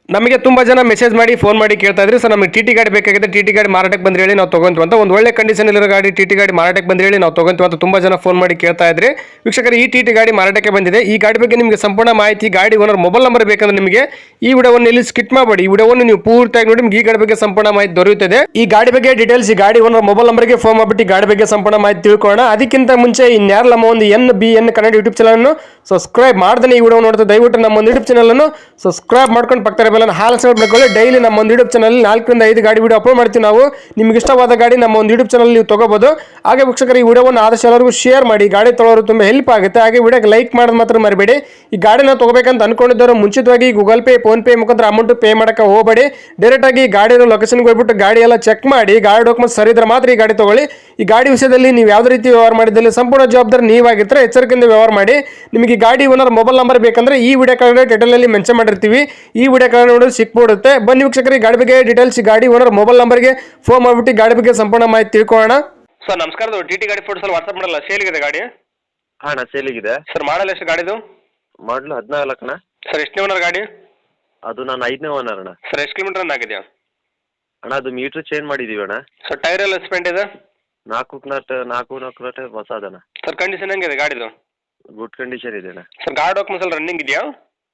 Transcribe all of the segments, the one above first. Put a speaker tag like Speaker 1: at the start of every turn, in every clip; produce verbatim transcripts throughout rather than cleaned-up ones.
Speaker 1: ನಮಗೆ ತುಂಬಾ ಜನ ಮೆಸೇಜ್ ಮಾಡಿ ಫೋನ್ ಮಾಡಿ ಕೇಳ್ತಾ ಇದ್ರಿ ಸರ್ ನಮಗೆ ಟಿಟಿ ಗಾಡಿ ಬೇಕಾಗಿದೆ ಟಿಟಿ ಗಾಡಿ ಮಾರಾಟಕ್ಕೆ ಬಂದ್ರೆ ಹೇಳಿ ನಾವು ತಗೊಂತೀವಿ ಅಂತ ಒಂದು ಒಳ್ಳೆ ಕಂಡೀಷನ್ ಇರೋ ಗಾಡಿ ಟಿಟಿ ಗಾಡಿ ಮಾರಾಟಕ್ಕೆ ಬಂದ್ರೆ ಹೇಳಿ ನಾವು ತಗೊಂತೀವಿ ಅಂತ ತುಂಬಾ ಜನ ಫೋನ್ ಮಾಡಿ ಕೇಳ್ತಾ ಇದ್ರಿ ವೀಕ್ಷಕರು ಈ ಟಿಟಿ ಗಾಡಿ ಮಾರಾಟಕ್ಕೆ ಬಂದಿದೆ ಈ ಗಾಡಿ ಬಗ್ಗೆ ನಿಮಗೆ ಸಂಪೂರ್ಣ ಮಾಹಿತಿ ಗಾಡಿ ಓನರ್ ಮೊಬೈಲ್ ನಂಬರ್ ಬೇಕಂದ್ರೆ ನಿಮಗೆ ಈ ವಿಡಿಯೋವನ್ನು ಇಲ್ಲಿ ಸ್ಕಿಪ್ ಮಾಡಬೇಡಿ ಈ ವಿಡಿಯೋವನ್ನು ನೀವು ಪೂರ್ತಿಯಾಗಿ ನೋಡಿ ನಿಮಗೆ ಈ ಗಾಡಿ ಬಗ್ಗೆ ಸಂಪೂರ್ಣ ಮಾಹಿತಿ ದೊರೆಯುತ್ತದೆ ಈ ಗಾಡಿ ಬಗ್ಗೆ ಡೀಟೇಲ್ಸ್ ಈ ಗಾಡಿ ಓನರ್ ಮೊಬೈಲ್ ನಂಬರ್ಗೆ ಫೋನ್ ಮಾಡಿಬಿಟ್ಟು ಗಾಡಿ ಬಗ್ಗೆ ಸಂಪೂರ್ಣ ಮಾಹಿತಿ ತಿಳ್ಕೊಳ್ಳೋಣ ಅದಕ್ಕಿಂತ ಮುಂಚೆ ಇನ್ಯಾರು ನಮ್ಮ ಒಂದು N B N Kannada YouTube channel ಅನ್ನು ಸಬ್ಸ್ಕ್ರೈಬ್ ಮಾಡ್ದೆ ಈ ವಿಡಿಯೋ ನೋಡ್ತಾ ದಯವಿಟ್ಟು ನಮ್ಮ ಒಂದು ಯೂಟ್ಯೂಬ್ ಚಾನಲ್ ಅನ್ನು ಸಬ್ಸ್ಕ್ರೈಬ್ ಮಾಡ್ಕೊಂಡು ಪಕ್ಕದ ಬೆಲ್ ಅನ್ನು ಹಾಲ್ ಸೆಲೆಕ್ಟ್ ಮಾಡ್ಕೊಳ್ಳಿ ಡೈಲಿ ನಮ್ಮ ಒಂದು ಯೂಟ್ಯೂಬ್ ಚಾನಲ್ ನಾಲ್ಕರಿಂದ ಐದು ಗಾಡಿ ವಿಡಿಯೋ ಅಪ್ಲೋಡ್ ಮಾಡ್ತೀವಿ ನಾವು ನಿಮ್ಗೆ ಇಷ್ಟವಾದ ಗಾಡಿ ನಮ್ಮ ಒಂದು ಯೂಟ್ಯೂಬ್ ಚಾನಲ್ ನೀವು ತಗೋಬಹುದು ಹಾಗೆ ವೀಕ್ಷಕರು ಈ ವಿಡಿಯೋವನ್ನು ಆದಷ್ಟು ಎಲ್ಲರಿಗೂ ಶೇರ್ ಮಾಡಿ ಗಾಡಿ ತೊಗೊಳ್ಳೋರು ತುಂಬಾ ಹೆಲ್ಪ್ ಆಗುತ್ತೆ ಹಾಗೆ ವಿಡಿಯೋಗೆ ಲೈಕ್ ಮಾಡೋದು ಮಾತ್ರ ಮರಿಬೇಡಿ ಈ ಗಾಡಿನ ತಗೋಬೇಕಂತ ಅನ್ಕೊಂಡಿದ್ದವರು ಮುಂಚಿತವಾಗಿ ಗೂಗಲ್ ಪೇ ಫೋನ್ ಪೇ ಮುಖಾಂತರ ಅಮೌಂಟ್ ಪೇ ಮಾಡಕ್ಕೆ ಹೋಗಬೇಡಿ ಡೈರೆಕ್ಟ್ ಆಗಿ ಗಾಡಿಯ ಲೊಕೇಶನ್ಗೆ ಹೋಗ್ಬಿಟ್ಟು ಗಾಡಿ ಎಲ್ಲ ಚೆಕ್ ಮಾಡಿ ಗಾಡಿ ಡಾಕ್ಯುಮೆಂಟ್ಸ್ ಸರಿ ಇದ್ರೆ ಮಾತ್ರ ಈ ಗಾಡಿ ತಗೊಳ್ಳಿ ಈ ಗಾಡಿ ವಿಷಯದಲ್ಲಿ ನೀವು ಯಾವುದೇ ರೀತಿ ವ್ಯವಹಾರ ಮಾಡಿದಲ್ಲಿ ಸಂಪೂರ್ಣ ಜವಾಬ್ದಾರಿ ನೀವಾಗಿರ್ತಾರೆ ಎಚ್ಚರಿಕೆಯಿಂದ ವ್ಯವಹಾರ ಮಾಡಿ ನಿಮಗೆ ಈ ಗಾಡಿ ಓನರ್ ಮೊಬೈಲ್ ನಂಬರ್ ಬೇಕಂದ್ರೆ ಈ ವಿಡಿಯೋ ಕಾರ್ಡ್ ಟೈಟಲ್ ಅಲ್ಲಿ ಮೆನ್ಷನ್ ಮಾಡಿರ್ತೀವಿ ಈ ವಿಡಿಯೋ ಕಾರ್ಡ್ ನೋಡಿ ಸಿಕ್ಬಿಡುತ್ತೆ ಬನ್ನಿ ವೀಕ್ಷಕರಿಗೆ ಗಾಡಿ ಬಗ್ಗೆ ಡೀಟೇಲ್ಸ್ ಗಾಡಿ ಓನರ್ ಮೊಬೈಲ್ ನಂಬರ್ಗೆ ಫೋನ್ ಮಾಡಿಬಿಟ್ಟು ಗಾಡಿ ಬಗ್ಗೆ ಸಂಪೂರ್ಣ ಮಾಹಿತಿ ತಿಳ್ಕೊಳ್ಳೋಣ ಸರ್ ನಮಸ್ಕಾರ ಟಿಟಿ ಗಾಡಿ ಫೋಟೋಸ್ ವಾಟ್ಸ್ಆಪ್ ಮಾಡಲ್ಲ ಸೇಲ್ಗಿದೆ ಗಾಡಿ
Speaker 2: ಹಾಂ ಸೇಲಿಗಿದೆ
Speaker 1: ಸರ್ ಮಾಡಲ್ ಎಷ್ಟು ಗಾಡಿದು
Speaker 2: ಮಾಡಲು ಹದಿನಾಲ್ಕನ
Speaker 1: ಸರ್ ಎಷ್ಟನೇ ಓನರ್ ಗಾಡಿ
Speaker 2: ಅದು ನಾನು ಐದನೇ ಓನರ್ ಅಣ್ಣ
Speaker 1: ಸರ್ ಎಷ್ಟು ಕಿಲೋಮೀಟರ್ ರನ್ ಆಗಿದೆಯಾ
Speaker 2: ಅಣ್ಣ ಅದು ಮೀಟ್ರ್ ಚೇಂಜ್ ಮಾಡಿದ್ದೀವಿ ಅಣ್ಣ
Speaker 1: ಸರ್ ಟೈರ್ ಎಲ್ಲ ಸ್ಪೆಂಡ್ ಇದೆ
Speaker 2: ನಾಲ್ಕು ನಟ್ ನಾಲ್ಕು ನಾಲ್ಕು ನಟ್ ಹೊಸ ಅದಣ್ಣ
Speaker 1: ಸರ್ ಕಂಡೀಷನ್ ಹೆಂಗಿದೆ ಗಾಡಿದು
Speaker 2: ಗುಡ್ ಕಂಡೀಷನ್ ಇದೆ ಅಣ್ಣ
Speaker 1: ಸರ್ ಗಾಡಿ ಡಾಕ್ಯುಮೆಂಟ್ಸ್ ಎಲ್ಲ ರನ್ನಿಂಗ್ ಇದೆಯಾ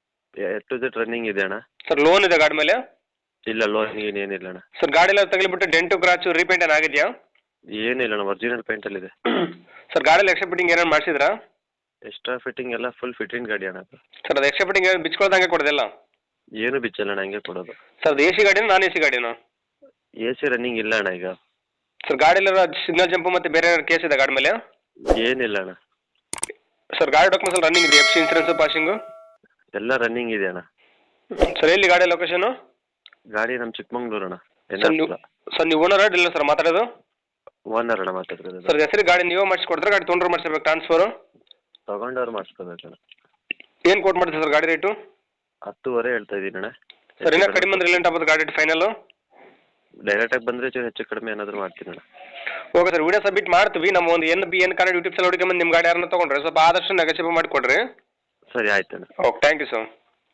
Speaker 2: ಟು ಜೆಟ್ ರನ್ನಿಂಗ್ ಇದೆ ಅಣ್ಣ
Speaker 1: ಸರ್ ಲೋನ್ ಇದೆ ಗಾಡಿ ಮೇಲೆ
Speaker 2: ಇಲ್ಲ ಲೋನ್ ಏನಿಲ್ಲ ಅಣ್ಣ
Speaker 1: ಸರ್ ಗಾಡಿ ಎಲ್ಲ ತಗಲಿಬಿಟ್ಟು ಡೆಂಟು ಕ್ರಾಚು ರೀಪೇಂಟ್ ಏನು ಆಗಿದೆಯಾ
Speaker 2: ಏನಿಲ್ಲ ಅಣ್ಣ ಒರಿಜಿನಲ್ ಪೇಂಟಲ್ಲಿದೆ
Speaker 1: ಸರ್ ಗಾಡಿಯಲ್ಲಿ ಎಕ್ಸ್ಟ್ರಾ ಫಿಟ್ಟಿಂಗ್ ಏನೇನು ಮಾಡಿಸಿದ್ರಾ
Speaker 2: ಎಕ್ಸ್ಟ್ರಾ ಫಿಟ್ಟಿಂಗ್ ಎಲ್ಲ ಫುಲ್ ಫಿಟ್ಟಿಂಗ್ ಗಾಡಿ ಅಣ್ಣ
Speaker 1: ಸರ್ ಅದು ಎಕ್ಸ್ಟ್ರಾ ಫಿಟ್ಟಿಂಗ್ ಏನು ಬಿಚ್ಕೊಳ್ದಂಗೆ ಕೊಡೋದಿಲ್ಲ
Speaker 2: ಏನು ಬಿಚ್ಚಲ್ಲ ಅಣ್ಣ ಹಂಗೆ ಕೊಡೋದು
Speaker 1: ಸರ್ ಅದು ಎ ಸಿ ಗಾಡಿನ ನಾನ್ ಎ ಸಿ ಗಾಡಿನ
Speaker 2: ಎ ಸಿ ರನ್ನಿಂಗ್ ಇಲ್ಲ ಅಣ್ಣ ಈಗ
Speaker 1: ಸರ್ ಗಾಡಿಯಲ್ಲ ಸಿಗ್ನಲ್ ಜಂಪು ಮತ್ತು ಬೇರೆ ಕೇಸ್ ಇದೆ ಗಾಡಿ ಮೇಲೆ
Speaker 2: ಏನಿಲ್ಲ ಅಣ್ಣ
Speaker 1: ಸರ್ ಗಾಡಿ ಡಾಕ್ಯುಮೆಂಟ್ಸ್ ಎಲ್ಲ ರನ್ನಿಂಗ್ ಇದೆ ಎಫ್ ಸಿ ಇನ್ಸೂರೆನ್ಸು ಪಾಸಿಂಗು
Speaker 2: ಎಲ್ಲ ರನ್ನಿಂಗ್ ಇದೆ ಅಣ್ಣ
Speaker 1: ಸರ್ ಎಲ್ಲಿ ಗಾಡಿ ಲೊಕೇಶನು
Speaker 2: ಗಾಡಿ ನಮ್ಮ ಚಿಕ್ಕಮಂಗ್ಳೂರು ಅಣ್ಣ
Speaker 1: ಸರ್ ನೀವು ಸರ್ ನೀವು ಓನರ್ ಇಲ್ಲ ಸರ್ ಮಾತಾಡೋದು
Speaker 2: ಓನರ್ ಅಣ್ಣ ಮಾತಾಡ್ತಿರೋದು
Speaker 1: ಸರ್ ಹೆಸರು ಗಾಡಿ ನೀವೇ ಮಾಡಿಸ್ಕೊಡ್ತಾರೆ ಗಾಡಿ ತೊಗೊಂಡ್ರೆ ಮಾಡಿಸ್ಬೇಕು ಟ್ರಾನ್ಸ್ಫರು
Speaker 2: ತಗೊಂಡವ್ರು ಮಾಡಿಸ್ಕೋಬೇಕು ಅಣ್ಣ
Speaker 1: ಏನು ಕೋಟ್ ಮಾಡ್ತೀವಿ ಸರ್ ಗಾಡಿ ರೇಟು
Speaker 2: ಹತ್ತುವರೆ ಹೇಳ್ತಾ ಇದ್ದೀನಿ ಅಣ್ಣ
Speaker 1: ಸರ್ ಇನ್ನೂ ಕಡಿಮೆ ಅಂದ್ರೆ ರಿಲೆಂಟ್ ಆಗ್ಬೋದು ಗಾಡಿ ರೇಟ್ ಫೈನಲ್ಲು
Speaker 2: ಡೈರೆಕ್ಟಾಗಿ ಬಂದರೆ ಹೆಚ್ಚು ಕಡಿಮೆ ಏನಾದರೂ ಮಾಡ್ತೀನಿ ಅಣ್ಣ
Speaker 1: ಓಕೆ ಸರ್ ವಿಡಿಯೋ ಸಬ್ಮಿಟ್ ಮಾಡ್ತೀವಿ ನಮ್ಮ ಒಂದು N B N Kannada YouTube channel ಹುಡುಗಿ ಬಂದು ನಿಮ್ಮ ಗಾಡಿ ಯಾರನ್ನ ತೊಗೊಂಡ್ರೆ ಸ್ವಲ್ಪ ಆದಷ್ಟು ನೆಗೋಷಿಯೇಟ್ ಮಾಡಿಕೊಡ್ರಿ
Speaker 2: ಸರಿ ಆಯ್ತು ಅಣ್ಣ
Speaker 1: okay thank you sir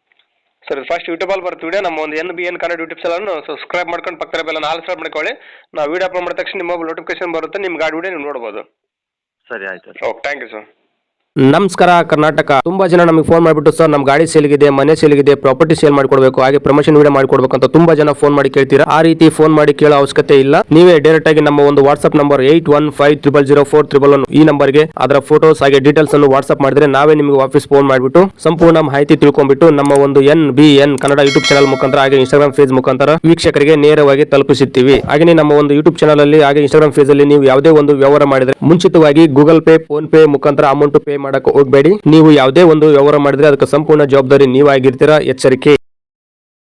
Speaker 1: sir first ಯೂಟ್ಯೂಬಲ್ಲಿ ಬರ್ತೀವಿ ವಿಡಿಯೋ ನಮ್ಮ ಒಂದು N B N Kannada YouTube ಚಾನಲ್ನ ಸಬ್ಸ್ಕ್ರೈಬ್ ಮಾಡ್ಕೊಂಡು ಪಕ್ಕದ ಬೆಲ್ಲ ನಾಲ್ಕು ಸಬ್ಸ್ಕ್ರೈಬ್ ಮಾಡ್ಕೊಳ್ಳಿ ನಾವು ವಿಡಿಯೋ ಅಪ್ಲೋಡ್ ಮಾಡಿದ ತಕ್ಷಣ ನಿಮ್ಮ ಮೊಬೈಲ್ ನೋಟಿಫಿಕೇಶನ್ ಬರುತ್ತೆ ನಿಮ್ಮ ಗಾಡಿ ವಿಡಿಯೋ ನೀವು ನೋಡ್ಬೋದು
Speaker 2: ಸರಿ ಆಯ್ತು
Speaker 1: ಓಕೆ ಥ್ಯಾಂಕ್ ಯು ಸರ್
Speaker 3: ನಮಸ್ಕಾರ ಕರ್ನಾಟಕ ತುಂಬಾ ಜನ ನಮಗೆ ಫೋನ್ ಮಾಡಿಬಿಟ್ಟು ಸರ್ ನಮ್ಮ ಗಾಡಿ ಸೇಲ್ಗಿದೆ ಮನೆ ಸೇಲ್ಗಿದೆ ಪ್ರಾಪರ್ಟಿ ಸೇಲ್ ಮಾಡಿಕೊಡ್ಬೇಕು ಹಾಗೆ ಪ್ರಮೋಷನ್ ವಿಡಿಯೋ ಮಾಡಿಕೊಡ್ಬೇಕು ಅಂತ ತುಂಬಾ ಜನ ಫೋನ್ ಮಾಡಿ ಕೇಳ್ತೀರಾ ಆ ರೀತಿ ಫೋನ್ ಮಾಡಿ ಕೇಳೋ ಅವಶ್ಯಕತೆ ಇಲ್ಲ ನೀವೇ ಡೈರೆಕ್ಟ್ ಆಗಿ ನಮ್ಮ ಒಂದು WhatsApp number eight one five triple zero four triple one ಈ ನಂಬರ್ಗೆ ಅದರ ಫೋಟೋಸ್ ಹಾಗೆ ಡೀಟೇಲ್ಸ್ ಅನ್ನು ವಾಟ್ಸ್ಆಪ್ ಮಾಡಿದ್ರೆ ನಾವೇ ನಿಮಗೆ ವಾಪಸ್ ಫೋನ್ ಮಾಡಿಬಿಟ್ಟು ಸಂಪೂರ್ಣ ಮಾಹಿತಿ ತಿಳ್ಕೊಂಡ್ಬಿಟ್ಟು ನಮ್ಮ ಒಂದು N B N Kannada YouTube channel ಮುಖಾಂತರ ಹಾಗೆ ಇನ್ಸ್ಟಾಗ್ರಾಮ್ ಪೇಜ್ ಮುಖಾಂತರ ವೀಕ್ಷಕರಿಗೆ ನೇರವಾಗಿ ತಲುಪಿಸುತ್ತೀವಿ ಹಾಗೆ ನಮ್ಮ ಒಂದು ಯೂಟ್ಯೂಬ್ ಚಾನಲ್ ಅಲ್ಲಿ ಹಾಗೆ ಇನ್ಸ್ಟಾಗ್ರಾಮ್ ಪೇಜ್ ಅಲ್ಲಿ ನೀವು ಯಾವುದೇ ಒಂದು ವ್ಯವಹಾರ ಮಾಡಿದ್ರೆ ಮುಂಚಿತವಾಗಿ ಗೂಗಲ್ ಪೇ ಫೋನ್ ಪೇ ಮುಖಾಂತರ ಅಮೌಂಟ್ ಪೇ ಮಾಡಕ್ಕೆ ಹೋಗಬೇಡಿ ನೀವು ಯಾವುದೇ ಒಂದು ವ್ಯವಹಾರ ಮಾಡಿದ್ರೆ ಅದಕ್ಕೆ ಸಂಪೂರ್ಣ ಜವಾಬ್ದಾರಿ ನೀವಾಗಿರ್ತೀರಾ ಎಚ್ಚರಿಕೆ.